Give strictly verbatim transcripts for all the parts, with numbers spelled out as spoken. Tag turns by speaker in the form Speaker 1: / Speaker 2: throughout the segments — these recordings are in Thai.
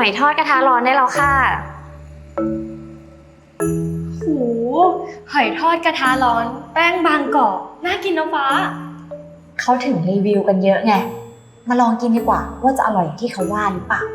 Speaker 1: อยทอดกระทะร้อนได้แล้วค่ะ
Speaker 2: โหหอยทอดกระทะร้อนแป้งบางกรอบน่ากินนะฟ้า
Speaker 3: เขาถึงรีวิวกันเยอะไงมาลองกินดีกว่าว่าจะอร่อยอย่างที่เขาว่าหรือเปล่า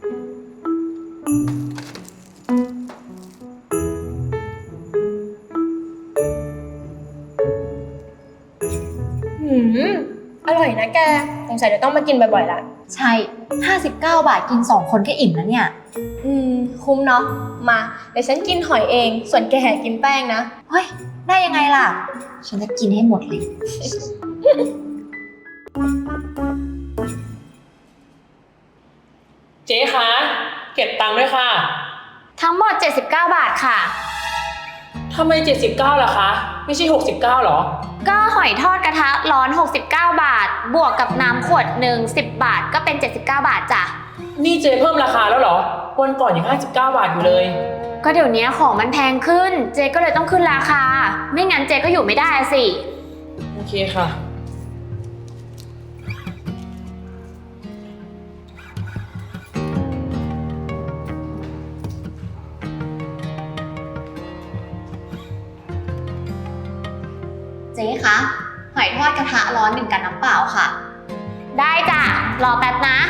Speaker 2: หืมอร่อยนะแกสงสัยจะต้องมากินบ่อยๆละ
Speaker 3: ใช่ห้าสิบเก้าบาทกินสองคนก็อิ่มแล้วเนี่ย
Speaker 2: อืมคุ้มเนาะมาเดี๋ยวฉันกินหอยเองส่วนแกกินแป้งนะ
Speaker 3: เฮ้ยได้ยังไงล่ะฉันจะกินให้หมดเลย
Speaker 4: เจ๊คะเก็บตังค์ด้วยค่ะ
Speaker 1: ทั้งหมดเจ็ดสิบเก้าบาทค่ะ
Speaker 4: ทำไมเจ็ดสิบเก้าล่ะคะไม่ใช่หกสิบเก้าหรอ
Speaker 1: ก็หอยทอดกระทะร้อนหกสิบเก้าบาทบวกกับน้ำขวดหนึ่งสิบบาทก็เป็นเจ็ดสิบเก้าบาทจ้ะ
Speaker 4: นี่เจ๊เพิ่มราคาแล้วเหรอวันก่อนยังห้าสิบเก้าบาทอยู่เลย
Speaker 1: ก็เดี๋ยวนี้ของมันแพงขึ้นเจ๊ก็เลยต้องขึ้นราคาไม่งั้นเจ๊ก็อยู่ไม่ได้สิ
Speaker 4: โอเคค่ะ
Speaker 3: เจ๊คะหอยทอดกระทะร้อนหนึ่งกับน้ำเปล่าค่ะ
Speaker 1: ได้จ้ะรอแป๊บนะ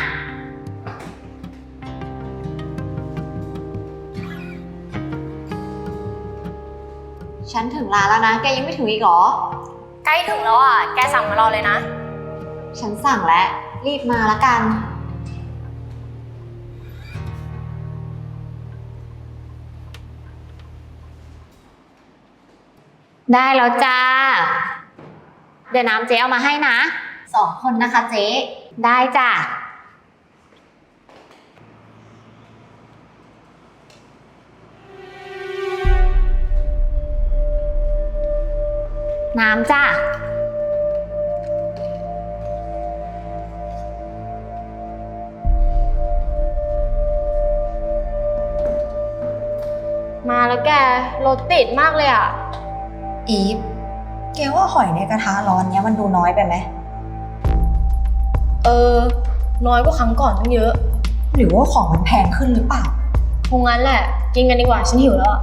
Speaker 3: ฉันถึงร้านแล้วนะแกยังไม่ถึงอีกเหรอ
Speaker 2: ใกล้ถึงแล้วอ่ะแกสั่งมารอเลยนะ
Speaker 3: ฉันสั่งแล้วรีบมาละกัน
Speaker 1: ได้แล้วจ้าเดี๋ยวน้ำเจ๊เอามาให้นะ
Speaker 3: สองคนนะคะเจ๊
Speaker 1: ได้จ้ะน้ำจ้ะ
Speaker 2: มาแล้วแกรถติดมากเลยอ่ะ
Speaker 3: อีฟแกว่าหอยในกระทะร้อนเนี้ยมันดูน้อยไปไหม
Speaker 2: เออน้อยกว่าครั้งก่อนตั้งเยอะ
Speaker 3: หรือว่าของมันแพงขึ้นหรือเปล่า
Speaker 2: คงงั้นแหละกินกันดีกว่าฉันหิวแล้ว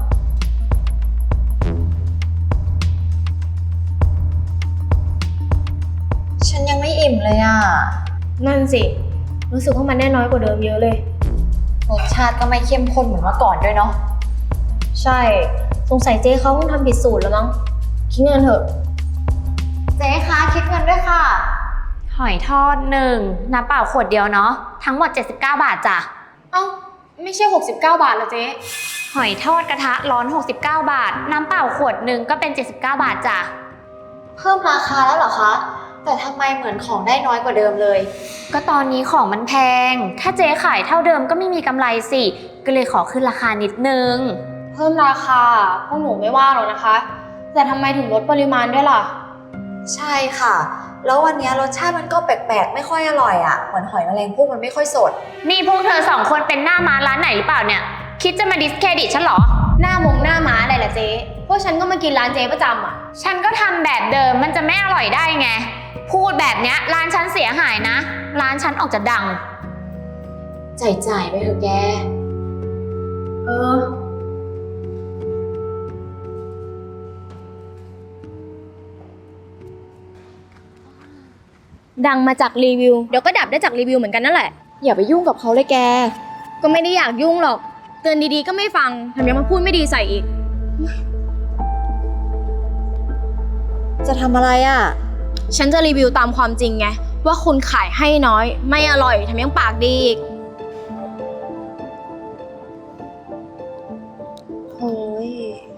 Speaker 3: ฉันยังไม่อิ่มเลยอ่ะ
Speaker 2: นั่นสิรู้สึกว่ามันแน่น้อยกว่าเดิมเยอะเลย
Speaker 3: รสชาติก็ไม่เข้มข้นเหมือนเมื่อก่อนด้วยเนาะ
Speaker 2: ใช่สงสัยเจ๊เขาคงทำผิดสูตรแล้วมั้งคิดเงินเถอะ
Speaker 3: เจ๊คะคิดเงินด้วยค่ะ
Speaker 1: หอยทอดหนึ่งน้ำเปล่าขวดเดียวเนาะทั้งหมดเจ็ดสิบเก้าบาทจ้ะ
Speaker 2: เอ้าไม่ใช่หกสิบเก้าบาทเหรอเจ๊
Speaker 1: หอยทอดกระทะร้อนหกสิบเก้าบาทน้ำเปล่าขวดหนึ่งก็เป็นเจ็ดสิบเก้าบาทจ้ะ
Speaker 3: เพิ่มราคาแล้วเหรอคะแต่ทำไมเหมือนของได้น้อยกว่าเดิมเลย
Speaker 1: ก็ตอนนี้ของมันแพงถ้าเจ๊ขายเท่าเดิมก็ไม่มีกำไรสิก็เลยขอขึ้นราคานิดนึง
Speaker 2: เพิ่มราคาพวกหนูไม่ว่าหรอกนะคะแต่ทำไมถึงลดปริมาณด้วยล่ะ
Speaker 3: ใช่ค่ะแล้ววันนี้รสชาติมันก็แปลกๆไม่ค่อยอร่อยอ่ะเหมือนหอยแมลงภู่มันไม่ค่อยสด
Speaker 1: นี่พวกเธอสองคนเป็นหน้าม้าร้านไหนหรือเปล่าเนี่ยคิดจะมาดิสเครดิตฉันเหรอ
Speaker 2: หน้ามงหน้าม้าอะไรล่ะเจ๊พวกฉันก็มากินร้านเจ๊ประจำอ่ะ
Speaker 1: ฉันก็ทำแบบเดิมมันจะไม่อร่อยได้ไงพูดแบบเนี้ยร้านฉันเสียหายนะร้านฉันออกจะดัง
Speaker 3: จ่ายๆไปเถอะแก
Speaker 2: เออดังมาจากรีวิวเดี๋ยวก็ดับได้จากรีวิวเหมือนกันนั่นแหละ
Speaker 3: อย่าไปยุ่งกับเขาเลยแก
Speaker 2: ก็ไม่ได้อยากยุ่งหรอกเตือนดีๆก็ไม่ฟังแถมยังมาพูดไม่ดีใส่อีก
Speaker 3: จะทำอะไรอ่ะ
Speaker 2: ฉันจะรีวิวตามความจริงไงว่าคุณขายให้น้อยไม่อร่อยแถมยังปากดีอีก
Speaker 3: โอ้ย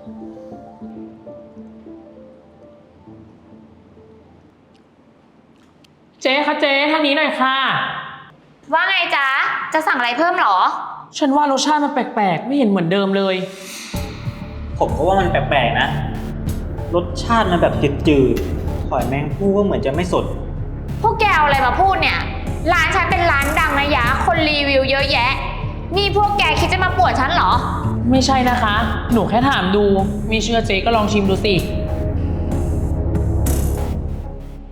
Speaker 4: เจ๊คะเจ๊ทางนี้หน่อยค่ะ
Speaker 1: ว่าไงจ๊ะจะสั่งอะไรเพิ่มหรอ
Speaker 4: ฉันว่ารสชาติมันแปลกๆไม่เห็นเหมือนเดิมเลย
Speaker 5: ผมก็ว่ามันแปลกๆนะรสชาติมันแบบจืดๆหอยแมงภู่ก็เหมือนจะไม่สด
Speaker 1: พวกแกเอาอะไรมาพูดเนี่ยร้านฉันเป็นร้านดังนะยะคนรีวิวเยอะแยะนี่พวกแกคิดจะมาป่วนฉันเหรอ
Speaker 4: ไม่ใช่นะคะหนูแค่ถามดูไม่เชื่อเจ๊ก็ลองชิมดูสิ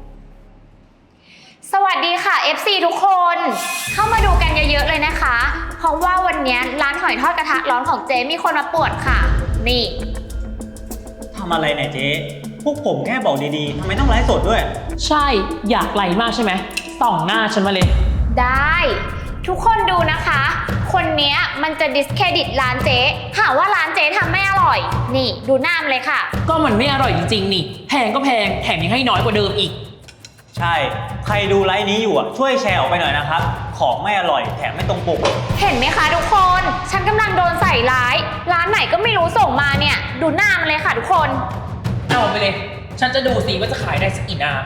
Speaker 1: สวัสดีค่ะ เอฟ ซี ทุกคนเข้ามาดูกันเยอะๆเลยนะคะเพราะว่าวันนี้ร้านหอยทอดกระทะร้อนของเจ๊มีคนมาป่วนค่ะ นี่
Speaker 5: ทำอะไรเนี่ยเจ๊ พวกผมแค่บอกดีๆ ทำไมต้องไลฟ์สดด้วย
Speaker 4: ใช่อยากไลมากใช่ไหมส่องหน้าฉันมาเลย
Speaker 1: ได้ ทุกคนดูนะคะ คนเนี้ยมันจะดิสเครดิตร้านเจ๊หาว่าร้านเจ๊ทำไม่อร่อย นี่ดูหน้ามันเลยค่ะ
Speaker 4: ก็มันไม่อร่อยจริงๆนี่แพงก็แพงแถมยังให้น้อยกว่าเดิมอีก
Speaker 5: ใช่ ใครดูไลฟ์นี้อยู่อ่ะ ช่วยแชร์ออกไปหน่อยนะครับ ของไม่อร่อยแถมไม่ตรงปก
Speaker 1: เห็นไหมคะทุกคน ฉันกำลังโดนใส่ร้าย ร้านไหนก็ไม่รู้ส่งมาเนี่ย ดูหน้ามันเลยค่ะทุกคน
Speaker 4: เอาไปเลย ฉันจะดูสิว่าจะขายได้สักกี่หน้า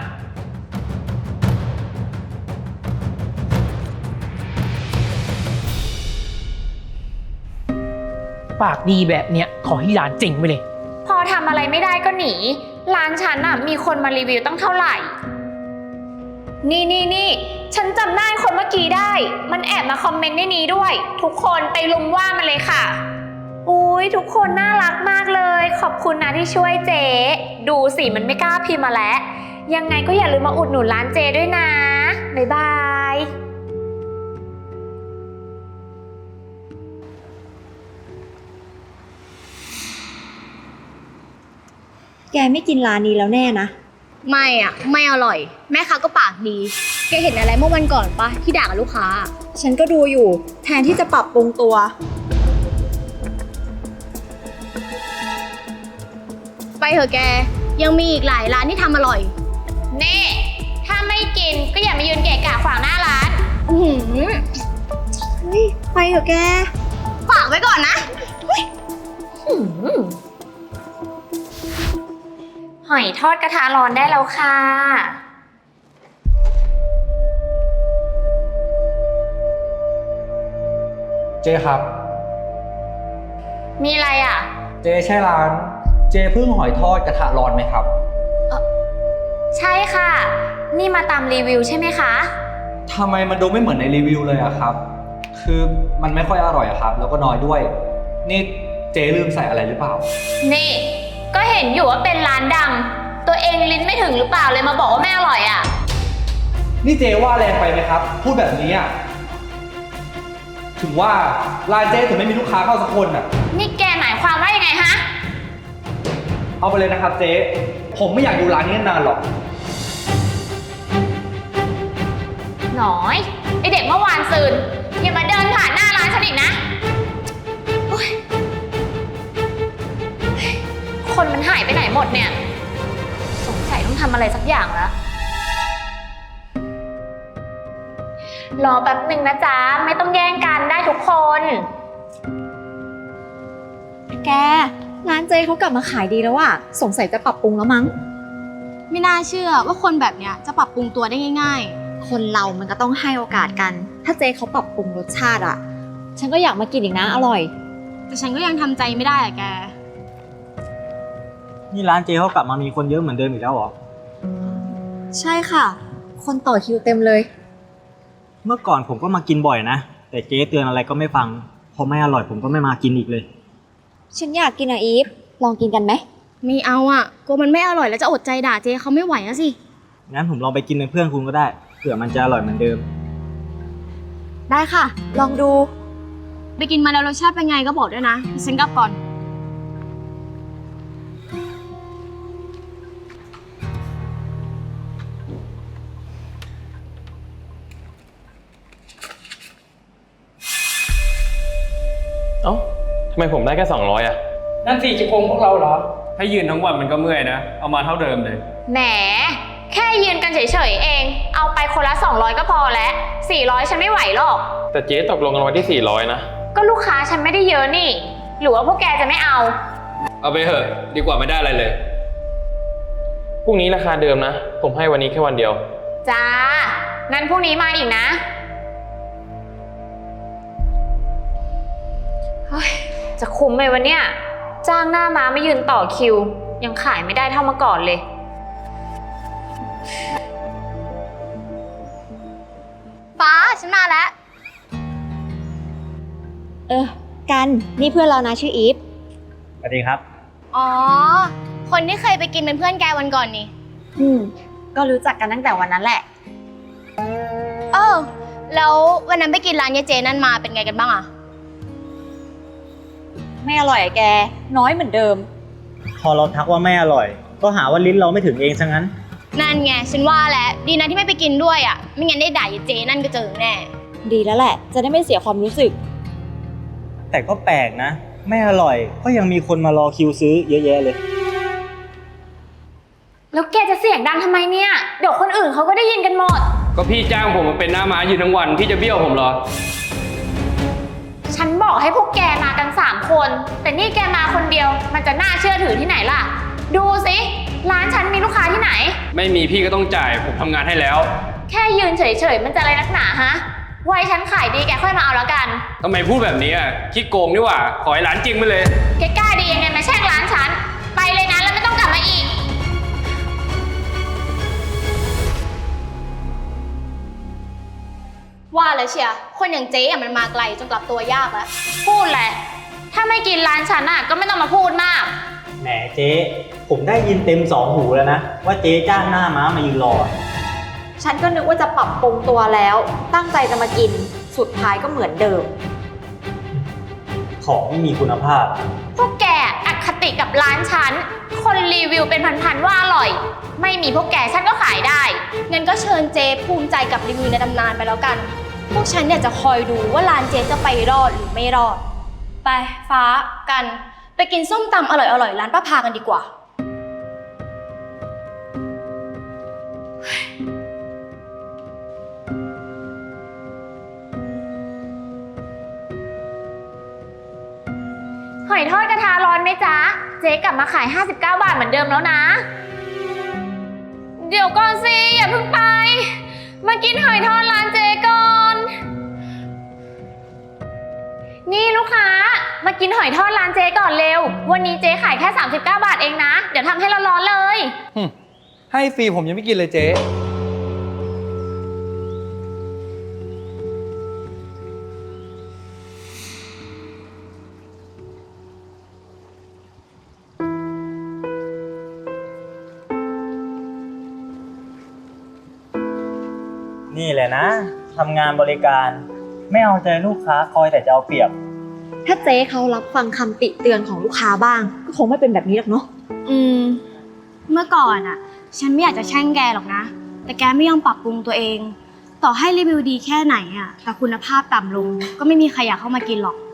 Speaker 4: ปากดีแบบเนี้ยขอให้ร้านเจ๋งไปเลย
Speaker 1: พอทำอะไรไม่ได้ก็หนี ร้านฉันน่ะมีคนมารีวิวตั้งเท่าไหร่ นี่นี่นี่ฉันจำหน้าคนเมื่อกี้ได้ มันแอบมาคอมเมนต์ในนี้ด้วย ทุกคนไปลุมว่ามันเลยค่ะ อุ้ยทุกคนน่ารักมากเลย ขอบคุณนะที่ช่วยเจ๊ดูสิมันไม่กล้าพิมพ์มาแล้ว ยังไงก็อย่าลืมมาอุดหนุนร้านเจ๊ด้วยนะ บ๊ายบาย
Speaker 3: แกไม่กินร้านนี้แล้วแน่นะ
Speaker 2: ไม่อ่ะ ไม่อร่อย แม่ค้าก็ปากดี แกเห็นอะไรเมื่อวันก่อนปะที่ด่ากับลูกค้า
Speaker 3: ฉันก็ดูอยู่ แทนที่จะปรับปรุงตัว
Speaker 2: ไปเถอะแก ยังมีอีกหลายร้านที่ทำอร่อย
Speaker 1: นี่ ถ้าไม่กินก็อย่ามายืนเกะกะขวางหน้าร้าน
Speaker 2: อื้อหือ
Speaker 3: เฮ้ย ไปเถอะแก
Speaker 2: ฝากไว้ก่อนนะ
Speaker 1: หอยทอดกระทะร้อนได้แล้วค่ะ
Speaker 6: เจ๊ครับ
Speaker 1: มีอะไรอ่ะ
Speaker 6: เจ๊ใช่ร้าน เจ๊พึ่งหอยทอดกระทะร้อนไหมครับ
Speaker 1: ใช่ค่ะ นี่มาตามรีวิวใช่ไหมคะ
Speaker 6: ทำไมมันดูไม่เหมือนในรีวิวเลยอะครับ คือมันไม่ค่อยอร่อยอะครับ แล้วก็น้อยด้วย นี่เจ๊ลืมใส่อะไรหรือเปล่า
Speaker 1: นี่ ก็เห็นอยู่ว่าเป็นร้านดัง ตัวเองลิ้นไม่ถึงหรือเปล่าเลยมาบอกว่าไม่อร่อยอ่ะ
Speaker 6: นี่เจ๊ว่าแรงไปไหมครับ พูดแบบนี้อะถึงว่าร้านเจ๊ถึงไม่มีลูกค้าเข้าสักคนอะ
Speaker 1: นี่แกหมายความว่ายังไงฮะ
Speaker 6: เอาไปเลยนะครับเจ๊ ผมไม่อยากอยู่ร้านนี้นานหรอก
Speaker 1: หน่อยไอเด็กเมื่อวานซืนอย่ามาเดินผ่านหน้าร้านฉันอีกนะโอ๊ยคนมันหายไปไหนหมดเนี่ย สงสัยต้องทำอะไรสักอย่างแล้ว รอแป๊บหนึ่งนะจ๊ะ ไม่ต้องแย่งกันได้ทุกคน
Speaker 3: แก ร้านเจ๊เขากลับมาขายดีแล้วอะสงสัยจะปรับปรุงแล้วมั้ง
Speaker 2: ไม่น่าเชื่อว่าคนแบบเนี้ยจะปรับปรุงตัวได้ง่าย
Speaker 3: คนเรามันก็ต้องให้โอกาสกัน ถ้าเจ๊เขาปรับปรุงรสชาติอะฉันก็อยากมากินอีกนะ อร่อย
Speaker 2: ๆ แต่ฉันก็ยังทำใจไม่ได้อะแก
Speaker 5: นี่ร้านเจ๊เขากลับมามีคนเยอะเหมือนเดิมอีกแล้วเหรอ
Speaker 3: ใช่ค่ะ คนต่อคิวเต็มเลย
Speaker 5: เมื่อก่อนผมก็มากินบ่อยนะ แต่เจ๊เตือนอะไรก็ไม่ฟัง พอไม่อร่อยผมก็ไม่มากินอีกเลย
Speaker 3: ฉันอยากกินอะอีฟ ลองกินกันไหม
Speaker 2: ไม่เอาอ่ะกลัวมันไม่อร่อยแล้วจะอดใจด่าเจ๊เขาไม่ไหวอะสิ
Speaker 5: งั้นผมลองไปกินเป็นเพื่อนคุณก็ได้ เผื่อมันจะอร่อยเหมือนเดิม
Speaker 3: ได้ค่ะ ลองดู
Speaker 2: ไปกินมาแล้วรสชาติเป็นไงก็บอกด้วยนะฉันกลับก่อน
Speaker 7: เอ้าทำไมผมได้แค่สองร้อยอ่ะ
Speaker 4: นั่นสิจะโกงพวกเราเหรอ
Speaker 7: ถ้ายืนทั้งวันมันก็เมื่อยนะ เอามาเท่าเดิมเลย
Speaker 1: แหม แค่ยืนกันเฉยๆเอง เอาไปคนละสองร้อยก็พอแล้วสี่ร้อยฉันไม่ไหวหรอก
Speaker 7: แต่เจ๊ตกลงกันไว้ที่สี่ร้อยนะ
Speaker 1: ก็ลูกค้าฉันไม่ได้เยอะนี่ หรือว่าพวกแกจะไม่เอา
Speaker 7: เอาไปเถอะ ดีกว่าไม่ได้อะไรเลย พรุ่งนี้ราคาเดิมนะ ผมให้วันนี้แค่วันเดียว
Speaker 1: จ้า งั้นพรุ่งนี้มาอีกนะ เฮ้ย จะคุ้มไหมวะเนี่ย จ้างหน้าม้าไม่ยืนต่อคิว ยังขายไม่ได้เท่าเมื่อก่อนเลย
Speaker 2: ฟ้าฉันมาแล้ว
Speaker 3: เออ กัน นี่เพื่อนเรานะชื่ออีฟ
Speaker 5: สวัสดีครับ
Speaker 2: อ๋อ คนที่เคยไปกินเป็นเพื่อนแกวันก่อนนี่
Speaker 3: อืม ก็รู้จักกันตั้งแต่วันนั้นแหละ
Speaker 2: เออแล้ววันนั้นไปกินร้านยายเจนั่นมาเป็นไงกันบ้างอะ
Speaker 3: ไม่อร่อยอะแก น้อยเหมือนเดิม
Speaker 5: พอเราทักว่าไม่อร่อย ก็หาว่าลิ้นเราไม่ถึงเองซะงั้น
Speaker 2: นั่นไงฉันว่าแล้วดีนะที่ไม่ไปกินด้วยอะไม่งั้นได้ด่ายายเจนั่นก็เจอแน่
Speaker 3: ดีแล้วแหละ จะได้ไม่เสียความรู้สึก
Speaker 5: แต่ก็แปลกนะ ไม่อร่อย ก็ยังมีคนมารอคิวซื้อเยอะแยะเลย
Speaker 1: แล้วแกจะเสียงดังทำไมเนี่ย เดี๋ยวคนอื่นเขาก็ได้ยินกันหมด
Speaker 7: ก็พี่จ้างผมมาเป็นหน้าม้ายืนทั้งวัน พี่จะเบี้ยวผมเหรอ
Speaker 1: ฉันบอกให้พวกแกมากันสามคน แต่นี่แกมาคนเดียว มันจะน่าเชื่อถือที่ไหนล่ะ ดูสิร้านฉันมีลูกค้าที่ไหน
Speaker 7: ไม่มีพี่ก็ต้องจ่าย ผมทำงานให้แล้ว
Speaker 1: แค่ยืนเฉยๆมันจะอะไรนักหนาฮะไว้ฉันขายดีแกค่อยมาเอาแล้วกัน
Speaker 7: ทำไมพูดแบบนี้อ่ะขี้โกงนี่หว่า ขอให้ร้านจริงไปเลย
Speaker 1: แกกล้าดียังไงมาแช่งร้านฉัน ไปเลยนะแล้วไม่ต้องกลับมาอีก
Speaker 2: ว่าเลยเชียร์คนอย่างเจ๊อะมันมาไกลจนกลับตัวยากแล้ว
Speaker 1: พูดแหละ ถ้าไม่กินร้านฉันอ่ะก็ไม่ต้องมาพูดมาก
Speaker 5: แหมเจ๊ ผมได้ยินเต็มสองหูแล้วนะ ว่าเจ๊จ้างหน้าม้ามายืนรอ
Speaker 3: ฉันก็นึกว่าจะปรับปรุงตัวแล้ว ตั้งใจจะมากิน สุดท้ายก็เหมือนเดิม
Speaker 5: ของไม่มีคุณภาพ
Speaker 1: พวกแกอคติกับร้านฉัน คนรีวิวเป็นพันๆว่าอร่อย ไม่มีพวกแกฉันก็ขายได้
Speaker 2: งั้นก็เชิญเจ๊ภูมิใจกับรีวิวในตำนานไปแล้วกัน พวกฉันเนี่ยจะคอยดูว่าร้านเจ๊จะไปรอดหรือไม่รอด ไปฟ้ากันไปกินส้มตำอร่อยๆร้านป้าพากันดีกว่า
Speaker 1: หอยทอดกระทะร้อนไหมจ๊ะ เจ๊กลับมาขายห้าสิบเก้าบาทเหมือนเดิมแล้วนะ เดี๋ยวก่อนสิอย่าเพิ่งไป มากินหอยทอดร้านเจ๊ก่อน นี่ลูกค้ามากินหอยทอดร้านเจ๊ก่อนเร็ว วันนี้เจ๊ขายแค่สามสิบเก้าบาทเองนะ เดี๋ยวทำให้ร้อนๆเลย
Speaker 6: ให้ฟรีผมยังไม่กินเลยเจ๊
Speaker 5: นี่แหละนะทำงานบริการ ไม่เอาใจลูกค้าคอยแต่จะเอาเปรียบ
Speaker 3: ถ้าเจ๊เขารับฟังคำติเตือนของลูกค้าบ้าง ก็คงไม่เป็นแบบนี้หรอกเนาะ
Speaker 2: อืม เมื่อก่อนอะฉันไม่อยากจะแช่งแกหรอกนะ แต่แกไม่ยอมปรับปรุงตัวเอง ต่อให้รีวิวดีแค่ไหนอะแต่คุณภาพต่ำลงก็ไม่มีใครอยากเข้ามากินหรอก